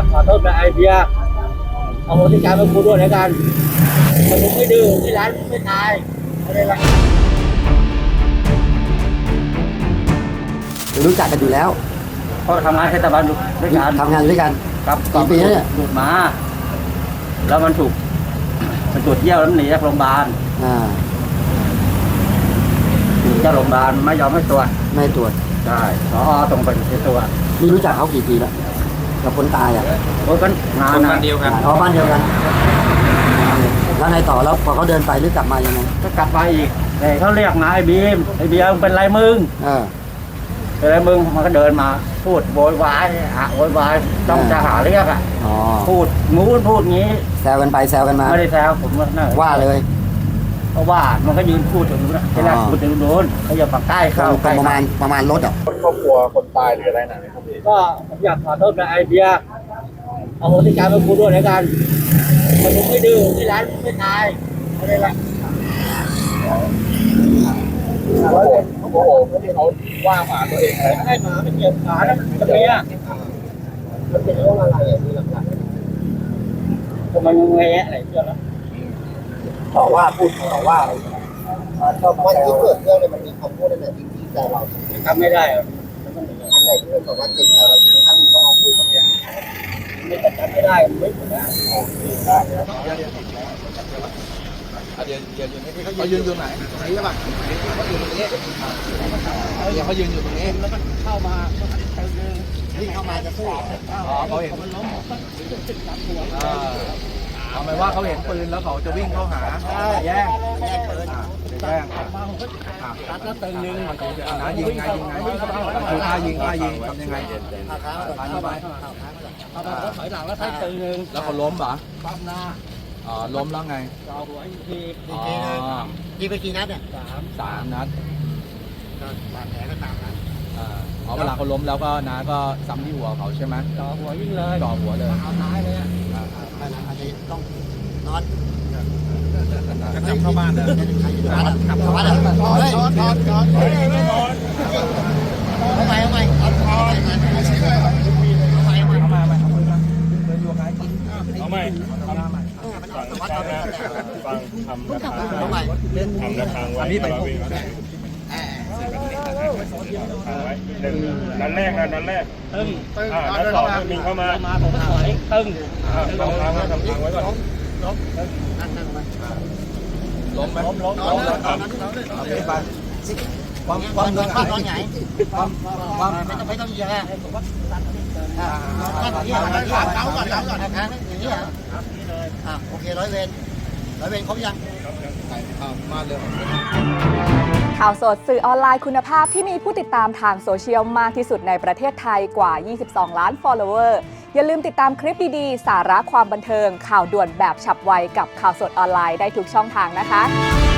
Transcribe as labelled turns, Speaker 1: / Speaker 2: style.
Speaker 1: ขอโทษกับไอเบียร์เอาโหสิกรรมให้กูด้วยแล้วกันแต่มึงไม่ดื้อที่ร้านไม่ตายอะไรละ
Speaker 2: รู้จักกันอยู่แล้ว
Speaker 1: ก็ทำงานเทศบาลอยู่ด้วยกัน
Speaker 2: ทำงานด้วยกัน
Speaker 1: ครับ
Speaker 2: กี่ปีแล้วเนี่ย
Speaker 1: หลุดมาแล้วมันถูกมันตรวจเยี่ยวแล้วหนีจากโรงพยาบาลหนีจากโรงพยาบาลไม่ยอมให้ตรวจ
Speaker 2: ไม่ตรวจ
Speaker 1: ใช่ผอส่งไปตรวจ
Speaker 2: นี่รู้จักเขากี่ปีแล้วกับคนตายอ่ะ
Speaker 1: โอ้ยกันนานนะ
Speaker 3: บ้านเดียวกัน
Speaker 2: บ้านเดียวกันแล้วไงต่อแล้วพอเขาเดินไปหรือกลับมายังไง
Speaker 1: ก็กลับมาอีกแต่เขาเรียกนะไอ้บีมไอ้เบียร์เป็นไรมึงเป็นไรมึงมันก็เดินมาพูดโวยวายโวยวายต้องจะหาเรียกพูดงูนพูดงี้
Speaker 2: แซวกันไปแซวกันมา
Speaker 1: ไม่ได้แซวผม
Speaker 2: ว่าเลย
Speaker 1: เพราะว่ามันก็ยืนพูดถึงนู้นนะที่แรกพูดถึงโดนเขาอย่าปักใกล้เข้าใกล้
Speaker 2: ประมาณรถอ่ะ
Speaker 3: ครอบครัวคนตายหรืออะไรนะเนี่ยครับพี่
Speaker 1: ก็ผมอยากขอโทษกับไอเบียร์เอาโหสิกรรมให้กูด้วยแล้วกันแต่มึงไม่ดื้อที่ร้านไม่ตายอะไรละ
Speaker 3: เขาโมโหที่เขาว่าหมาตัวเองอะไร
Speaker 1: ให้หมาไม่เกี่ยวขาแล้วมันจะเมียมันเป็นเรื่องอะไรที่หลักๆทำไมมึงแง่อะไรเชื่อแล้ว
Speaker 2: ต่อว่าพูดต่อว่าอะไร
Speaker 4: วันที่เกิดเรื่องเนี่ยมันมีคำพูดอะไรจริงๆใจเรา
Speaker 1: ทำไม่ได้
Speaker 4: อะไรที่เราบอกว่าจิตใจเราถึงขั้นต้องเอาพูดแบบนี้
Speaker 1: ไม่จำไม่ได้ไม่ถูกนะ
Speaker 3: เขายืนอยู่ไหนตรงนี้ใช่ป่ะเขายืนตรงนี้เขายืนอยู่ตรงนี้
Speaker 1: แล้วก็เข้ามา
Speaker 4: ที่เข้ามาจะสู้
Speaker 3: เขาเห็นทำไมว่าเขาเห็นปืนแล้วเขาจะวิ่งเข้าหาแย่งปืนแย่ง
Speaker 1: ตัดแล้วตึงนึง
Speaker 3: นะยิงไงคือท่ายิงทำยังไง
Speaker 1: เข้าไปถอยหลังแล้วใช้ตึงนึง
Speaker 3: แล้วเขาล้มเหรอ
Speaker 1: ปั๊มหน้า
Speaker 3: ล้มแล้วไง
Speaker 1: จ่อหัวอีกที
Speaker 4: ยิงไปกี่นัดเนี่ย
Speaker 3: 3 นัด
Speaker 4: บาดแผลก็3 นัด
Speaker 3: เวลาเขาล้มแล้วก็น้าก็ซ้ำที่หัวเขาใช่ไหม
Speaker 1: จ่อหัวยิ่งเลย
Speaker 3: จ่อหัวเลย
Speaker 1: เอาท้ายเลย
Speaker 4: อันนี้ต้องนอน
Speaker 3: ก็จับเข้าบ้านเลย
Speaker 4: กลับเข้าบ้านเลยนอน
Speaker 3: ไม่นอน
Speaker 4: เอาใหม่เอา
Speaker 3: ใหม่อันนี้ไป
Speaker 5: นัดแรกนัดแรก
Speaker 1: ตึ้ง
Speaker 5: นัดสองมิงเข้ามา
Speaker 1: ผมก็ถอยตึ้ง
Speaker 5: ทำทางไว้ก่อน
Speaker 3: ล้มไหมล้มโอเคไป
Speaker 4: ความนอนใหญ่ไม่ต้องเยอะเท้าก่อนทางอย่างนี้เหรอโอเค100 เวรครบยัง
Speaker 3: มาเลย
Speaker 6: ข่าวสดสื่อออนไลน์คุณภาพที่มีผู้ติดตามทางโซเชียลมากที่สุดในประเทศไทยกว่า 22 ล้าน follower อย่าลืมติดตามคลิปดีๆ สาระความบันเทิงข่าวด่วนแบบฉับไวกับข่าวสดออนไลน์ได้ทุกช่องทางนะคะ